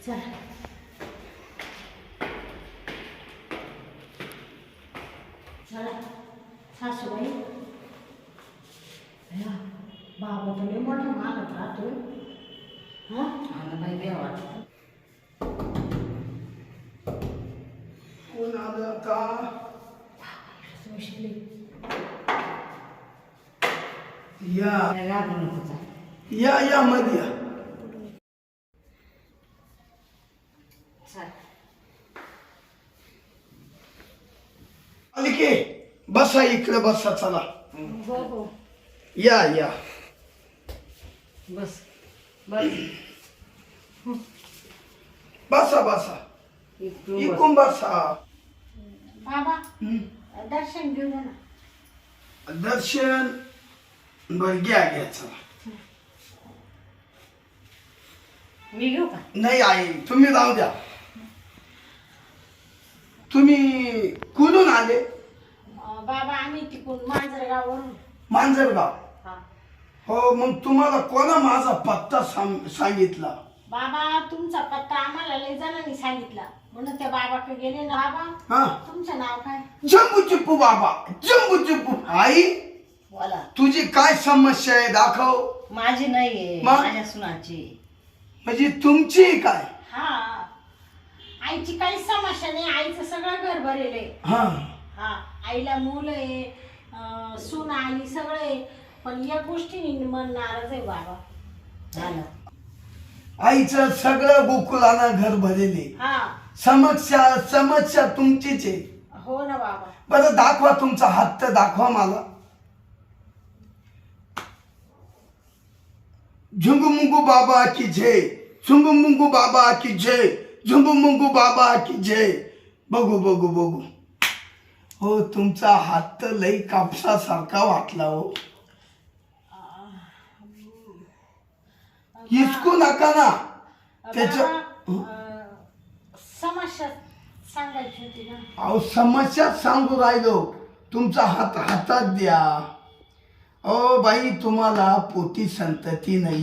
चला चला सासूबाई बाबा तर लय मोठा मागत राहतो. मला बाई बी वाटत. कोण आलं आता? या लागू नको जा. या मध्ये या. चल. आली की बसा इकडे बसा चला. हो हो या बस बस बसा बसा इकडून बस. इकडून बसा. बाबा दर्शन घेऊ दे ना. दर्शन बर घ्या चला. मी घेऊ का? नाही आई तुम्ही राहू द्या. तुम्ही कुठून आले? बाबा आम्ही तिकडून मांजरगाववरून. मांजरगाव. हा हो मग तुम्हाला कोणा माझा पत्ता सांगितला? बाबा तुमचा पत्ता आम्हाला लय जणांनी सांगितला म्हणून त्या बाबाकडे गेले ना. बाबा हा तुमचं नाव काय? जम्बू चिप्पू बाबा. जम्बू चिप्पू. आई बोला. तुझी काय समस्या आहे दाखव. माझी नाहीये, मग? माझ्या सुनाची. म्हणजे तुमची काय? हा आईची काही समस्या नाही. आईचं सगळं घर भरेल आहे. हा हा आईला मुलं आहे, सून आली सगळं आहे, पण या गोष्टीने मन नाराज आहे बाबा. झालं. आईचं सगळं गोकुळानं घर भरलेले. हा समस्या तुमचीच आहे. हो ना बाबा. बरं दाखवा तुमचा हात तर दाखवा मला. झुंगू मुंगू बाबा की जय. झुंगू मुंगू बाबा की जय. झुंगू मुंगू बाबा की जय. बघू हो तुमचा हात तर लई कापसासारखा वाटला हो. हिसकू नका ना त्याच्या. बाबा, समस्या सांगायची होती ना. अहो समस्या सांगू राहिलो. तुमचा हात हातात द्या. ओ बाई तुम्हाला पोटी संतती नाही.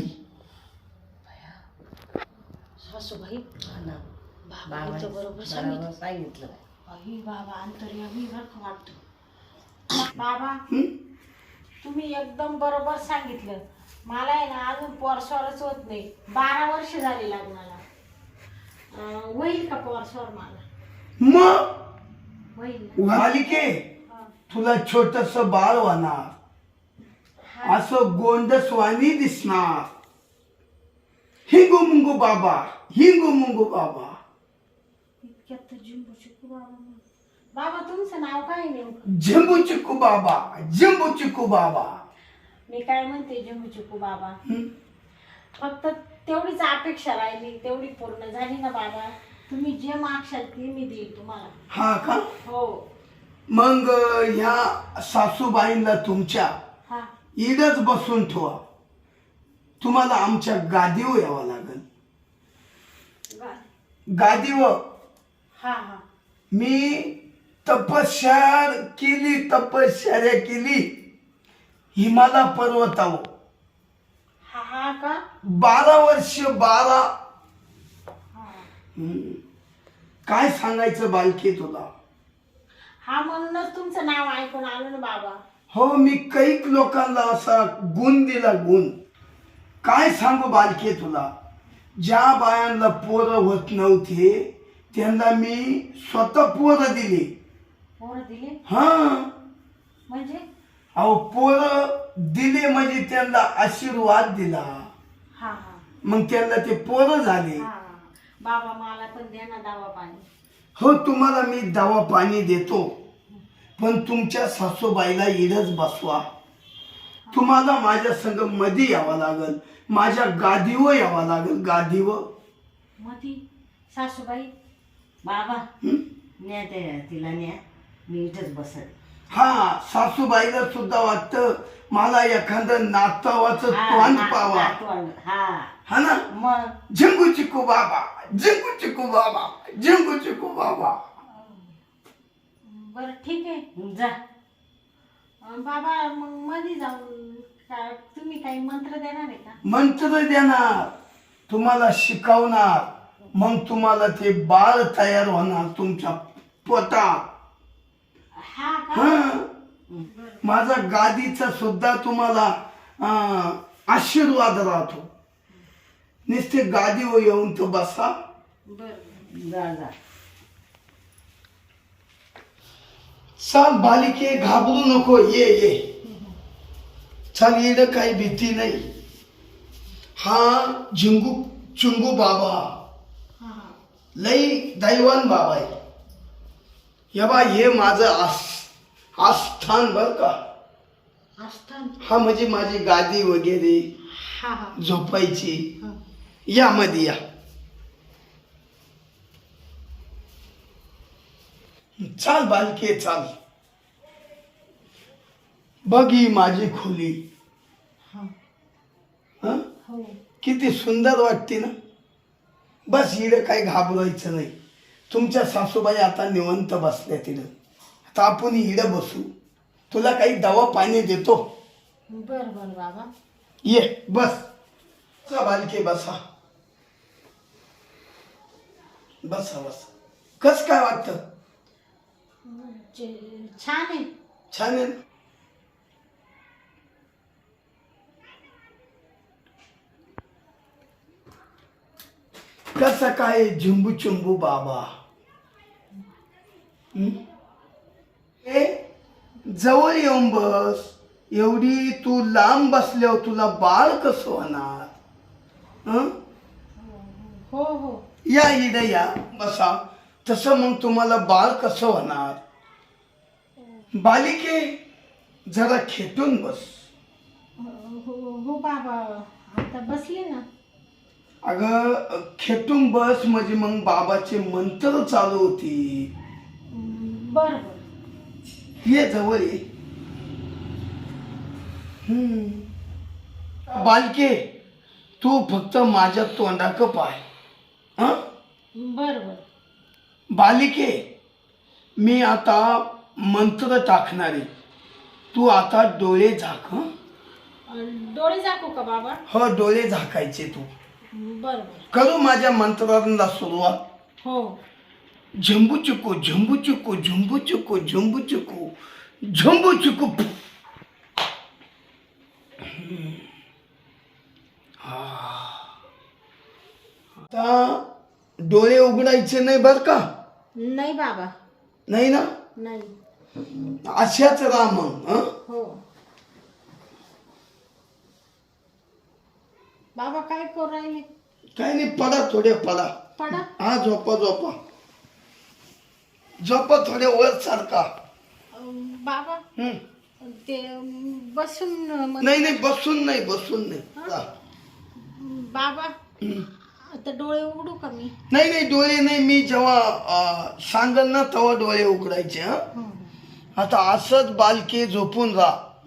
सासूबाई ना. बाबांचं बरोबर बरोबर सांगितलं. सांगितलं. आई बाबा अंतर्यामी बरं वाटतं. बाबा तुम्ही एकदम बरोबर सांगितलं. मला आहे ना अजून पोरस्वरच होत नाही. 12 वर्ष झाली लग्नाला. होईल का पोरस्वर मला? मग होईल ना? मालिके हा. तुला छोटस बाळ होणार. हा. असं गोंडसवाणी दिसणार. हिंगू मुंगू बाबा. हिंगू मुंगू बाबा. इतक्यात तर जिंबू चिकू बाबा. बाबा तुमचं नाव काय नेमकं? झिंबू चिकू बाबा. झिंबू चिकू बाबा. मी काय म्हणते जिंबू चिकू बाबा. हं? फक्त तेवढीच अपेक्षा राहिली, तेवढी पूर्ण झाली ना बाबा. तुम्ही जे मागशाल ते मी देईल तुम्हाला. हा का? हो. मग ह्या सासूबाईंना तुमच्या हा इडच बसून ठेवा. तुम्हाला आमच्या गादीवर यावं लागेल. गादीवर. हा हा मी तपश्चर्या केली हिमालय पर्वतावर. हा का? 12 वर्ष 12. हा काय सांगायचं बालकी तुला. हा म्हणूनच तुमचं नाव ऐकून आलो ना बाबा. हो मी कैक लोकांना असा गुण दिला. गुण काय सांगू बालकी तुला. ज्या बायांना पोरं होत नव्हते त्यांना मी स्वतः पोरं दिली. पोरं दिले हा म्हणजे? अहो पोरं दिले म्हणजे त्यांना आशीर्वाद दिला. हा हा मग त्यांना ते पोरं झाले. हा बाबा मला पण द्या ना दवा पाणी. हो तुम्हाला मी दवा पाणी देतो. पण तुमच्या सासूबाईला इडच बसवा. तुम्हाला माझ्या संग मध्ये यावं लागल. माझ्या गादीवर यावं लागल. गादीवर. मधी सासूबाई. बाबा हं? न्या तिला न्या. मी इथंच बसत. हा सासूबाईला सुद्धा वाटतं मला एखादं नातवाचं तोंड पावा. हा हा ना. मग झिंगू चिकू बाबा. झिंगू चिकू बाबा. झिंगू चिकू बाबा. बरं ठीक आहे. जा. बाबा मग मध्ये जाऊन तुम्ही काही मंत्र देणार आहे का? मंत्र देणार. तुम्हाला शिकवणार. मग तुम्हाला ते बाळ तयार होणार तुमच्या पोटात. हा का? हा माझा गादीचा सुद्धा तुम्हाला आशीर्वाद राहतो. नुसते गादीवर येऊन तर बसा. बरं जा जा. चाल बालिके, घाबरू नको, ये ये. चाल, येणं काही भीती नाही. हा झिंगू चुंगू बाबा हा हा लई दैवान बाबा आहे. या बा, हे माझं आस्थान बर का. आस्थान. हा म्हणजे माझी गादी वगैरे हा हा झोपायची. हा. या मध्ये या. चाल बालके चाल. बघ ही माझी खोली. हा. हं? हो. किती सुंदर वाटते ना. बस इकडं काही घाबरायचं नाही. तुमच्या सासूबाई आता निवंत बसल्या तिथं. आता आपण इकडं बसू. तुला काही दवा पाणी देतो. बर बर बाबा. ये बस. चला बालके बसा. बसा बसा. कस काय वाटतं? छान आहे. छान आहे ना? कसं काय झुंबू चुंबू बाबा? हं? ए जवळ येऊन बस. एवढी तू लांब बसल्यावर तुला बाळ कसं होणार? हं? हो हो. या इकडे या बसा. तसं मग तुम्हाला बाळ कसं होणार? बालिके जरा खेटून बस. हो हो बाबा, आता बसले ना. अगं खेटून बस म्हणजे मग बाबाचे मंत्र चालू होती. बर बर. ये जवळ ये. बालके तू फक्त माझ्या तोंडाक पाय. हं? बर बर. बालिके मी आता मंत्र टाकणारे. तू आता डोळे झाक. हं? डोळे झाकू का बाबा? हो डोळे झाकायचे तू. बर बर. करू माझ्या मंत्राला सुरुवात. हो. झुंबू चुकू झुंबू चुकू झुंबू चुकू झुंबू चुकू झुंबू चुकू. आता डोळे उघडायचे नाही बर का. नाही बाबा. नाही ना. नाही. अशाच राहा मग. हं? हो. बाबा काय करू राहिले? काही नाही, पडा थोडे पडा. पडा. हा झोपा झोपा झोपा थोडे वर सारखा. बाबा हं. ते बसून नाही नाही बसून नाही बसून नाही. हा. बाबा हं. आता डोळे उघडू का मी? नाही नाही डोळे नाही. मी जेव्हा सांगल ना तेव्हा डोळे उघडायचे. हा आता असंच बालके झोपून राहा.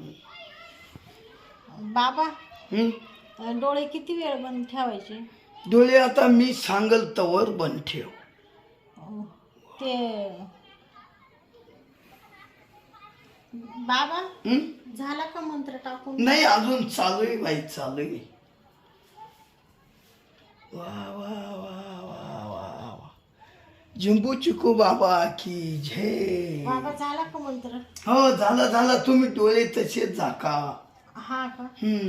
बाबा हं? डोळे किती वेळ बंद ठेवायचे? डोळे आता मी सांगल तवर बंद ठेव. ते बाबा हं? झाला का मंत्र टाकून? नाही अजून चालू आहे बाई चालू आहे. वा वा वा वा वा वा. झुंबू चिकू बाबा की जय. बाबा झाला का मंत्र? हो झाला झाला. तुम्ही डोळे तसेच झाका. हा का?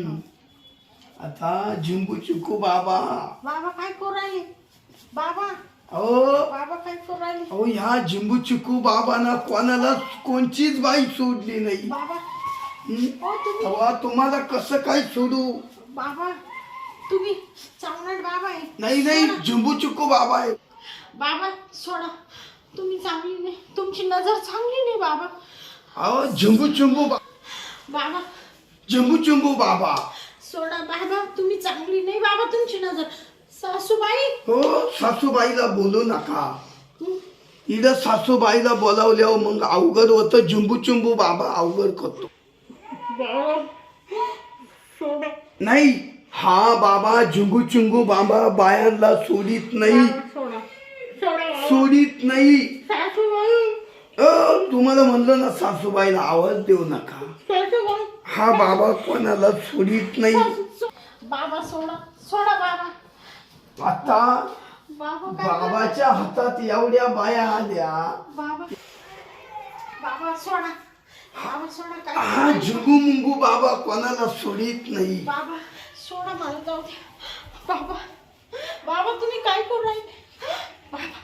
आता झुंबू चिकू बाबा. बाबा काय करू राहिले? बाबा अहो बाबा काय करू राहिले? अहो ह्या झिंबू चिकू बाबांना कोणाला कोणचीच बाई सोडली नाही. बाबा हं? ओ तुम्ही तेव्हा तुम्हाला कसं काय सोडू? बाबा तुम्ही चांगला बाबा आहे. नाही नाही झिंबू चिकू बाबा आहे. बाबा सोडा. तुम्ही चांगली नाही. तुमची नजर चांगली नाही बाबा. अहो झिंबू चिंबू बाबा झिंबू चिंबू बाबा. सोडा बाबा. तुम्ही चांगली नाही बाबा. तुमची नजर. सासूबाई. हो सासूबाईला बोलू नका. इथं सासूबाईला बोलावल्यावर मग अवघड होतं. झिंबू चिंबू बाबा अवघड करतो. सोडा. नाही हा बाबा झिंगू चिंगू बाबा बायांना सोडित नाही. सोडा. सोडा. सोडित नाही. सासूबाई. तुम्हाला म्हणलं ना सासूबाईला आवाज देऊ नका. सासूबाई. हा बाबा कोणाला सोडित नाही. बाबा सोडा. सोडा बाबा. आता बाबा काय बाबाच्या हातात एवढ्या बाया आल्या. बाबा बाबा सोडा. बाबा सोडा काय हा झुंगू मुंगू बाबा कोणाला सोडित नाही. बाबा सोडा मला जाऊ द्या. बाबा बाबा तुम्ही काय करू राहिले? बाबा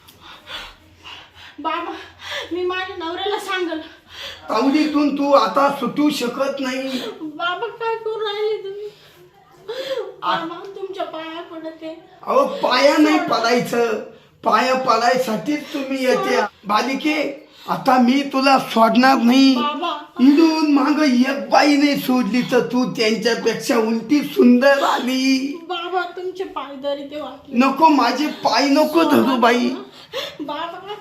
बाबा मी माझ्या नवऱ्याला सांगल. तावडीतून तू आता सुटू शकत नाही. बाबा काय करू राहिले तुम्ही? बाबा तुमच्या पाया पडते. अहो पाया नाही पडायचं, पाया पडायसाठीच तुम्ही येते. बालिके आता मी तुला सोडणार नाही. बाबा इडून माग एक बाई नाही सोडली तर तू त्यांच्यापेक्षा उलटी सुंदर आली. बाबा तुमचे पाय धरी ते वाटले. नको माझे पाय नको धरू बाई, बाबा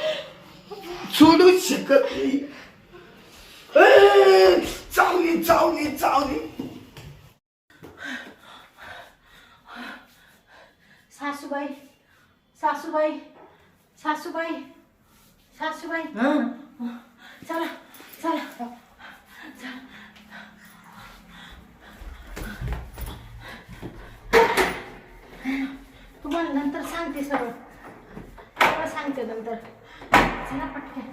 सोडूच शकत नाही. ए, चावली चावली चावली. सासूबाई सासूबाई सासूबाई सासूबाई चला चला. तुम्हाला नंतर सांगते सगळं, सगळं सांगते नंतर. चला पटकन.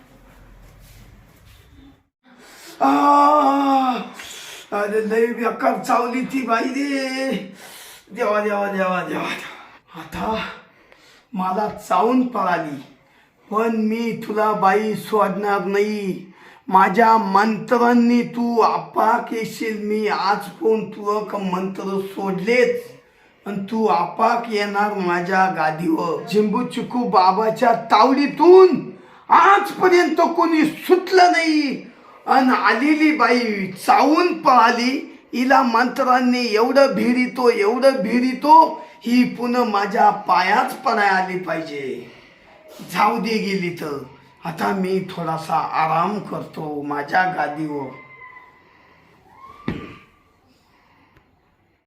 अरे लय बेकार चावली ती बाई रे. देवा देवा देवा देवा. आता मला चावून पळाली पण मी तुला बाई सोडणार नाही. माझ्या मंत्रांनी तू आपाक येशील. मी आज पण तुला मंत्र सोडलेच आणि तू आपाक येणार माझ्या गादीवर. चिंबू चिकू बाबाच्या तावडीतून आजपर्यंत कोणी सुटलं नाही आणि आलेली बाई चावून पळाली. हिला मंत्रांनी एवढं भिरितो ही पुन्हा माझ्या पायाच पडाय आली पाहिजे. जाऊ दे गेली तर आता मी थोडासा आराम करतो माझ्या गादीवर.